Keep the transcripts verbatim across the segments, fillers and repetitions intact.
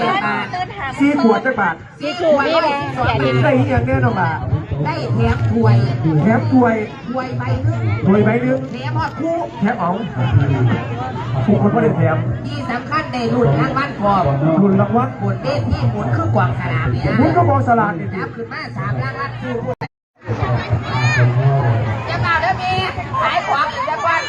สี่ขวดจักบาทสี่ขวดได้อย่างแน่นอนบาทได้แถมถ้วยแถมถ้วยถ้วยใบนึงถ้วยใบนึงแถมหอดคู่แถมอ๋องผู้คนก็ได้แถมที่สำคัญในรุ่นรางวัลพอรุ่นรางวัลหมุนเล่นที่หมุนคือกวางสลากเนี่ยหมุนก็มองสลากนี่นับขึ้นมาสามรางวัลคู่จะมาเด้อมีขายของอีกจังวัน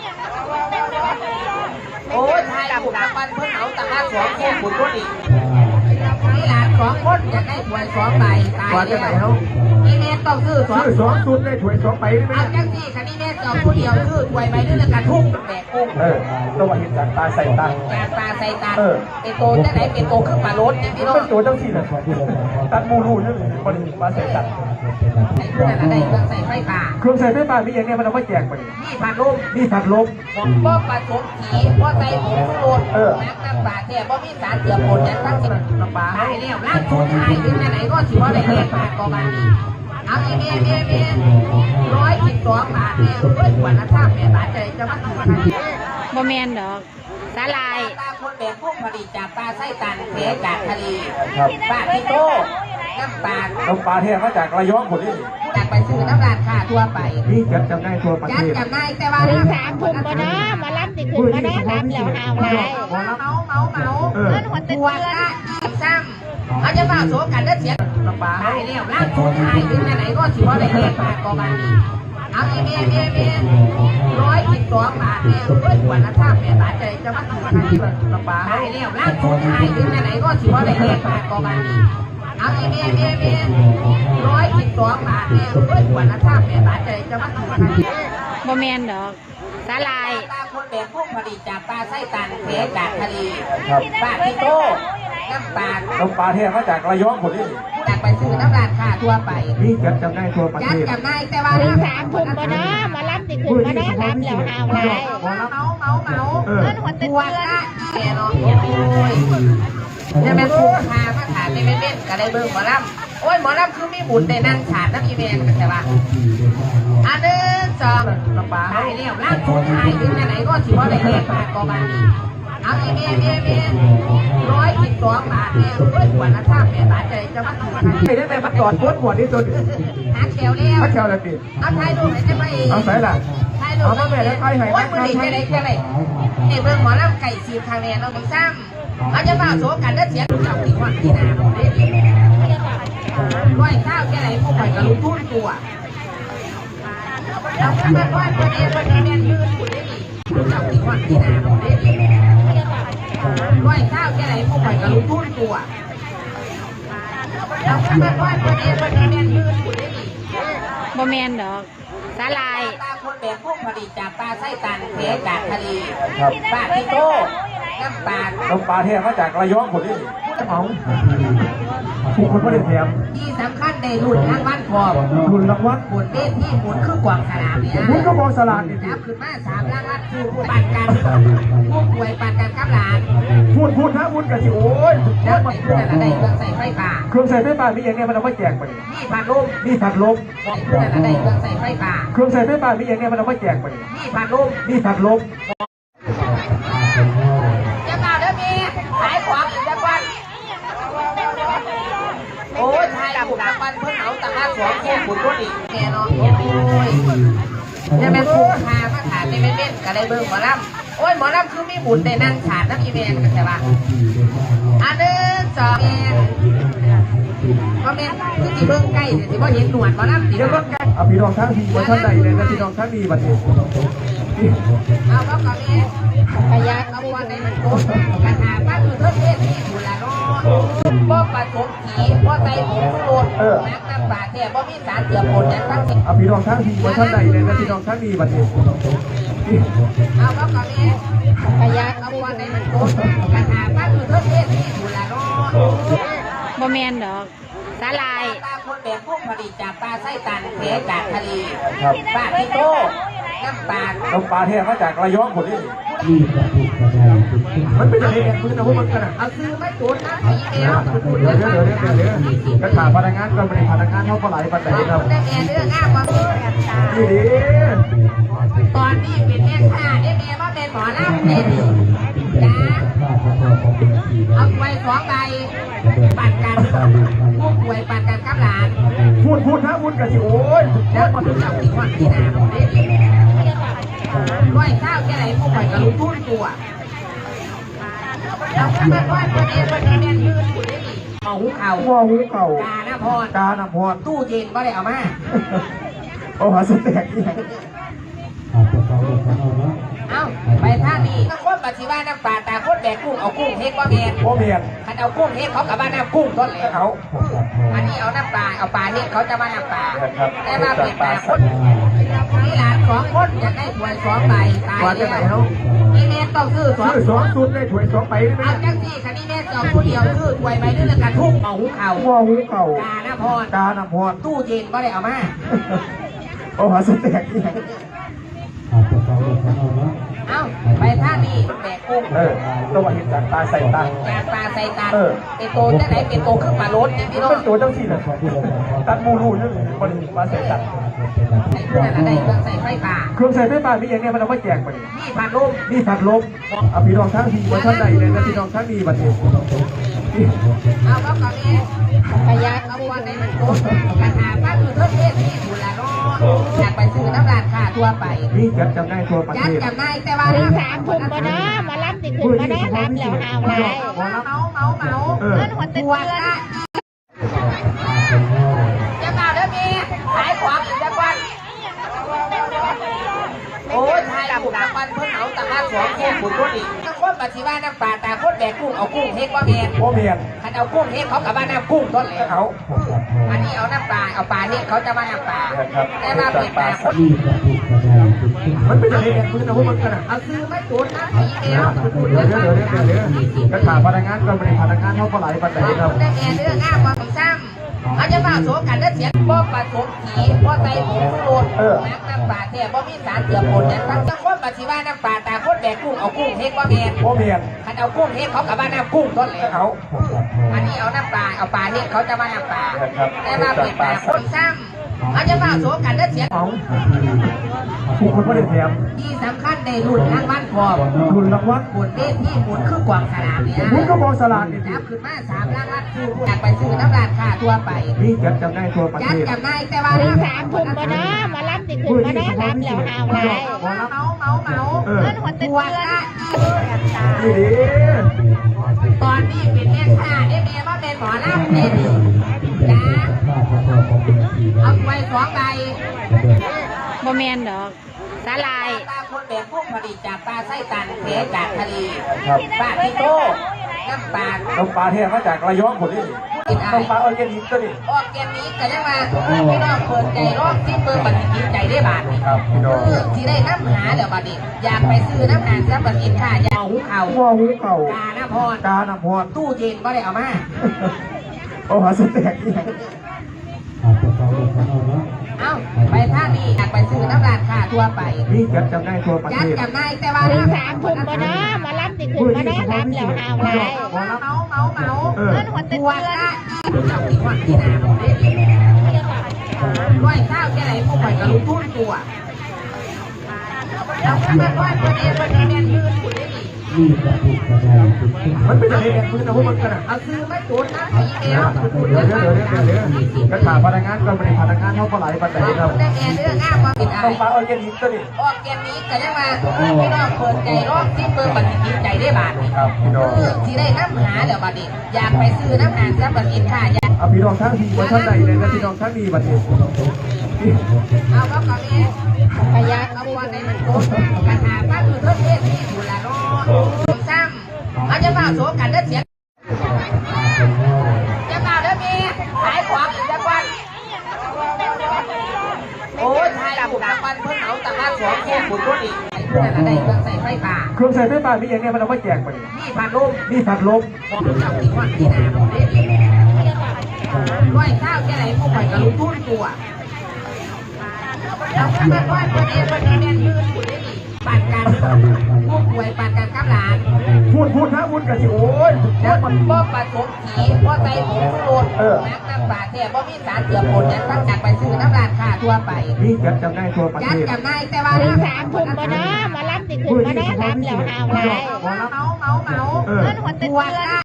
โอ้ยทายบุญรางวัลเพิ่งเอาตะการสองคู่บุญรุ่นอีกนี่หลานสองคนอยากได้ถ้วยสองใบตายแล้วนี่แม่ต้องซื้อสองซื้อสองชุดได้ถ้วยสองใบได้ไหมเอาจังสี่คันนี้แม่สองผู้เดียวซื้อถ้วยใบนึงแล้วกระทุ่งแบกกุ้งเออตัวเห็นจากตาใส่ตาจากตาใส่ตาเป็นโตจะไหนเป็นโตขึ้นมาลดนี่พี่น้องเป็นตัวเจ้าที่เลยตัดมูรูนี่คนมาใส่ตัดไอ้เพื่อนอะไรเครื่องใส่ไฟฟ้าเครื่องใส่ไฟฟ้ามีอย่างเนี้ยมันเอาไว้แจกไปนี่พัดลมนี่ผัดลมผมก็ผสมผีก็ใส่ผงชูรสน้ำน้ำปลาเนี่ยก็มีสารเสื่อมผลนั้นทั้งสิ้นน้ำปลาให้แล้วร่างทุนให้ถึงไหนก็ถือว่าได้เลี้ยงปลากอบานีเอาเอเมเอเมร้อยสิบสองบาทเนี่ยเพื่อนกว่าละท่าแม่บาทใจจะมาถูกกันบ่แมนดอกสาลายปลาคนแบบพวกผลิตจากปลาไส้ตันเทจากทะเลปลาพิโตน้ำปลาน้ำปลาเทมาจากระยองคนนี้จากไปซื้อน้ำราดค่าทั่วไปนี่จัดจำได้ทั่วประเทศจัดจำได้แต่ว่าถึงสามทุ่มบ่เนาะมาล้ำติดขึ้นบ่เนาะล้ำแล้วหาวไรเมาเมาเมาเมาเงินหัวตัวละยี่ซ้ำเขาจะมาโสกันเลือดเสียน้ำปลาให้แล้วร่างทุนให้ถึงไหนก็ถือว่าได้เลี้ยงปลากอบานีเอาเอเมเอเมร้อยสิบสองบาทเนี่ยเพื่อนกว่าละท่าแม่บาทใจจะมาถูกกันน้ำปลาให้แล้วร่างทุนให้ถึงไหนก็ถือว่าได้เลี้ยงปลากอบานีเอาเอเมเอเมร้อยสิบสองบาทเนี่ยเพื่อนกว่าละท่าแม่บาทใจจะมาถูกกันบ่แมนดอกสาลายปลาคนแบบพวกผลิตจากปลาไส้ตันเทจากทะเลปลาพิโตน้ำปลาน้ำปลาเทมาจากระยองคนนี้จากไปซื้อน้ำราดค่าทั่วไปนี่จัดจำได้ทั่วประเทศจัดจำได้แต่ว่าถึงสามทุ่มบ่เนาะมาล้ำติดขึ้นบ่เนาะล้ำแล้วหาวไรเมาเมาเมาเมาเงินหัวตัวละแก่เนาะโอ้ยเนี่ยแม่คู่พามาถามในแม่เม่นก็ได้เบิ่งหมอลำโอ้ยหมอลำคือมีบุญได้นั่งฉาดน้ำอีเมนกันแต่ว่าอันหนึ่งสองน้ำปลาให้แล้วร่างทุนให้ถึงไหนก็ถือว่าได้เลี้ยงปลากอบานีเอาเอเมเอเมร้อยสิบสองบาทเนี่ยเพื่อนกว่าละท่าแม่บาทใจจะมาถูกกันไม่ได้แต่มาจอดปวดปวดนี่ตัวนี้หาแถวแล้วหาแถวแล้วดิเอาไทยดูไหนจะไปเอาใส่ละเอามาแม่แล้วไทยให้โอ้ยมือดีจะได้จะได้เนี่ยเบิ่งหมอลำไก่สีทางแนนเราไม่ซ้ำเขาจะมาโสกันแล้วเสียงเจ้าที่วันที่นาผมได้ดีร้อยข้าวแค่ไหนพวกข่อยก็รู้ทุ่นตัวเราก็มาว่าตัวเองวันนี้แม่ยืนอยู่ได้ดีเจ้าที่วันที่นาผมได้ดีร้อยข้าวแค่ไหนพวกข่อยก็รู้ทุ่นตัวเราก็มาว่าตัวเองวันนี้แม่ยืนอยู่ได้ดีบ่แมนดอกสาลายปลาคนแบบพวกผลิตจากปลาไส้ตันเทจากทะเลปลาพิโตน้ำปลาน้ำปลาเทมาจากระยองคนนี้อ๋องผู้คนก็ได้แถมที่สำคัญในรุ่นรางวัลพอรุ่นรางวัลหมุนเล่นที่หมุนคือกวางสลากเนี่ยหมุนก็มองสลากนี่นับขึ้นมาสามรางวัลคือปั่นกันผู้ป่วยปั่นกันกับหลานพูดพูดนะพูดกันสิโอ้ยแล้วไอ้เพื่อนอะไรเครื่องใส่ไฟฟ้าเครื่องใส่ไฟฟ้ามีอย่างเนี้ยมันเอาไว้แจกไปนี่พัดลมนี่ผัดลมไอ้เพื่อนอะไรเครื่องใส่ไฟฟ้าเครื่องใส่ไฟฟ้ามีอย่างเนี้ยมันเอาไว้แจกไปนี่พัดลมนี่ผัดลมจะมาเด้อมีขายของอีกจังวันโอ้ยทายบุญรางวัลเพิ่งเอาตะการสองคู่บุญรุ่นอีกแกเนาะโอ้ยเนี่ยแม่คู่พามาถามในแม่เม่นก็ได้เบิ่งหมอลำโอ้ยหมอลำคือมีบุญได้นั่งฉาดน้ำอีเมนกันแต่ว่าอันหนึ่งสองก็แม่คือที่เบิ่งใกล้ที่ว่าเห็นหนวดหมอลำตีเดี๋ยวก็เอาพี่น้องทั้งทีมาท่านใดเลยนะพี่น้องทั้งดีบัดนี้เอาก็ก็แม่ขยันเอาวันในมันโกกระถางบ้านคือเทศเทศที่บุญละเนาะบ่ผสมผีบ่ใส่ผงชูรสน้ำน้ำปลาแท้บ่มีสารเสื่อมผลนั้นทั้งสิ้นเอาพี่น้องทั้งทีมาท่านใดเลยนะพี่น้องทั้งดีบัดนี้เอาก็ก็แม่ขยันเอาวันในมันโกกระถางบ้านคือเทศเทศที่บุญละเนาะบ่แมนดอกสาลายปลาคนแบบพวกผลิตจากปลาไส้ตันเทจากทะเลปลาพิโตน้ำปลาน้ำปลาเทมาจากระยองคนนี้มันเป็นอะไรเนี่ยคุณจะพูดมันกันอ่ะเอาซื้อไม่จุดนะอีเมลเดี๋ยวเดี๋ยวเดี๋ยวเดี๋ยวเดี๋ยวกระถางพนักงานก็ไม่ได้พนักงานเท่าปลาไหลปลาไหลครับได้แม่เรื่องง่ายกว่าดีดีตอนนี้เป็นแม่ค้าได้แม่ว่าเป็นหมอลำเด่นจ้าเอาไว้สองใบปั่นกันผู้ป่วยปั่นกันกับหลานพูดพูดนะพูดกันสิโอ้ยแล้วคนเจ้าที่คนที่นาผมได้ดีร้อยข้าวแค่ไหนผู้ป่วยกับลูกทุ่นตัวเราแค่มาร้อยคนเองคนนี้แม่ยืนอยู่ได้ดีเอาหูเข่าว่าหูเก่ากาหน้าพรกาหน้าพรตู้เย็นก็ได้เอามาเอาหาสแต็กนี่เอาไปท่านี้ถ้าคนปัจจุบันน้ำปลาตาคนแบกกุ้งเอากุ้งเฮ็ดว่าแมนพ่อเมียนคันเอากุ้งเฮ็ดเขากับบ้านน้ำกุ้งต้นเลยเขาอันนี้เอาน้ำปลาเอาปลาเฮ็ดเขาจะมาน้ำปลาครับแต่มาเป็นปลาคนนี่หลานสองคนอยากได้ถ้วยสองใบตายแล้วนี่แม่ต้องซื้อสองชื่อสองสุดได้ถวยสองไปได้ไหมเอาจังสี่คันนี้แม่สองผู้เดียวซื้อถ้วยใบนึงแล้วกันทุกเอาหูเข่าว่าหูเก่ากาหน้าพรกาหน้าพรตู้เย็นก็ได้เอามาเอาหาสแต็กนี่เอาไปท่านี้แบกกุ้งเออตัวเห็นจากตาใส่ตาแกงปลาใส่ตาเออเป็นโตจะไหนเป็นโตขึ้นปลาลดนี่พี่น้องเป็นตัวเจ้าที่เลยตัดมูรูนี่เลยบริมาใส่ตัดใส่เครื่องอะไรเครื่องใส่ไฟฟ้าเครื่องใส่ไฟฟ้ามีอย่างเนี้ยมันเอาไว้แจกไปนี่พัดลมนี่ผัดลมเอาพี่น้องทั้งทีวันท่านใดเลยนะพี่น้องทั้งดีบัดนี้เอาก็ก่อนนี้พยักเอาวันไหนมันโตกระถาป้าคือเพิ่มเทศที่ดูแลรออยากไปซื้อน้ำราดค่ะทั่วไปนี่จัดจำได้ทั่วประยัเทดศจำได้แต่ว่าถึงสามทุ่มบ่เนาะมารับสิขึ้นมาเนาะรับแล้วหาวไรเมาเมาเมาเมาเออเงินหัวเตืปวอดนละจะมาเด้อมีขายของอีกจังวันโอ้ยทายบุญรางวัลเพิ่งเอาตะมาสองคู่บุญรุ่นอีกถ้าคนปัจจุบันน้ำปลาตาคนแบกกุ้งเอากุ้งเฮ็ดว่าแมนพ่อเมียนคันเอากุ้งเฮ็ดเขากับบ้านน้ำกุ้งต้นเลยเขาอันนี้เอาน้ำปลาเอาปลาเฮ็ดเขาจะมาน้ำปลาแต่มาเป็นปลาคนมันเป็นอะไรเนี่ยคุณจะพูดมันกันอ่ะเอาซื้อมาจุดนะผีเดียวเดี๋ยวเดี๋ยวเดี๋ยวเดี๋ยวเดี๋ยวกระถาพนักงานก็ไม่ได้พนักงานเขาก็ไหลปัจจัยครับได้แง่เรื่องง่ามความซ้ำอาจจะมาโสกันได้เสียงบ่ปลาสมผีบ่ใส่หมูโรดน้ำน้ำปลาแท้บ่มีสารเสื่อมผลเนี่ยทั้งทั้งคนปัจจุบันน้ำปลาตาคนแบกกุ้งเอากุ้งเฮ็ดว่าแมนพ่อเมียนคันเอากุ้งเฮ็ดเขากับบ้านน้ำกุ้งต้นเลยเขาอันนี้เอาน้ำปลาเอาปลาเฮ็ดเขาจะมาน้ำปลาแต่มาเป็นปลาคนซ้ำอาจจะมาโสกันได้เสียงเขาผู้คนไม่ได้แถมที่สำคัญในรุ่นทางบ้านพอทุนรางวัลบุญเด้ที่บุญคือกวางสลามเนี่ยคุณก็บอกสลากนี่นับขึ้นมาสามล้านล้านคืออยากไปซื้อน้ำราดค่ะทั่วไปนี่จัดจำได้ทั่วประยัเทดศจำได้แต่ว่าถึงสามทุ่มบ่เนาะมารับสิขึ้นมาเนาะรับแล้วหาวไรเมาเมาเมาเมาเออเงินหัวเตืปอวดนละนี่ดิตอนนี้เป็นแม่ค้าได้แม่ว่าเป็นหมอลำเนี่ยจ้าเอาไว้สองใบบ่แมนดอกสาลายปลาคนแบบพวกผลิตจากปลาไส้ตันเทจากทะเลครับปลาพิโต้น้ำปลาน้ำปลาเทมาจากระยองคนนี้น้ำปลาออร์แกนิกก็นี่ออกเกมนี้กันยังมาพี่น้องเปิดใจรอบที่เปิดบัตรกินใจได้บาทนี่ครับพี่น้องคือที่ได้น้ำหาเดี๋ยวบัดนี้อยากไปซื้อน้ำหาซับบัตรกินค่ะอยากเอาหูเข่าว่าหูเก่ากาหน้าพรกาหน้าพรตู้เย็นก็ได้เอามาเอาหาสแต็กนี่เอาไปท่านี้อยากไปซื้อน้ำราดค่ะทั่วไปนี่จัดจำได้ทั่วประยัเทดศจำได้แต่ว่าถึงสามทุ่มบ่เนาะมารับสิขึ้นมาเนาะรับแล้วหาวไรเมาเมาเมาเมาเออเงินหัวเตืปอวดนละเจ้าที่คนที่นาผมได้ดีร้อยข้าวแค่ไหนผู้ป่วยกับลูกทุ่นตัวเราแค่มาร้อยคนเองคนนี้แม่ยืนอยู่ได้ดีมันเป็นอะไรเนี่ยคุณจะพูดมันกันอ่ะเอาซื้อมาจุดนะผีเดียวเดี๋ยวเดี๋ยวเดี๋ยวเดี๋ยวเดี๋ยวกระถาพนักงานก็ไม่ได้พนักงานเขาก็ไหลปัจจัยครับได้แง่เรื่องง่ามความผิดอะไรน้ำปลาออร์แกนิกก็นี่ออกเกมนี้กันยังมาพี่น้องเปิดใจรอบที่เปิดบัตรกินใจได้บาทนี่ครับพี่น้องคือที่ได้น้ำหาเดี๋ยวบัดนี้อยากไปซื้อน้ำหาซับบัตรกินค่ะอยากเอาพี่น้องทั้งทีวันท่านใดเลยนะพี่น้องทั้งดีบัดนี้เอาก็ก่อนนี้พยักเอาวันไหนมันโกงกระถาป้าคือเพิ่มเทศที่ดูแลรอผมซ้ำเอาจะมาโสกันได้เสียงจะมาเด้อมีขายของอีกจังวันโอ้ยทายบุญรางวัลเพิ่งเอาตะมาสองคู่บุญรุ่นอีกเพื่อนอะไรเครื่องใส่ไฟฟ้าเครื่องใส่ไฟฟ้ามีอย่างเนี้ยมันเอาไว้แจกไปนี่พัดลมนี่ผัดลมเจ้าที่คนที่นาผมได้ดีร้อยข้าวแค่ไหนผู้ป่วยกับลูกทุ่นตัวเราแค่มาร้อยคนเองคนนี้แม่ยืนอยู่ได้ดีปั่นกันผู้ป่วยปั่นกันกับหลานพูดพูดนะพูดกันสิโอ้ยแล้วมันบ่ผสมผีบ่ใส่ผงชูรสน้ำน้ำปลาแท้บ่มีสารเสื่อมผลยังตั้งจากไปซื้อน้ำร้านค้าทั่วไปนี่จัดจำได้ตัวประเทยัดศจำได้แต่ว่าถึงสามทุ่มมาเนาะมารับติดขึ้นมาเนาะรับแล้วหาวไรเมาเมาเมาเมาเออเงินหัวเตือน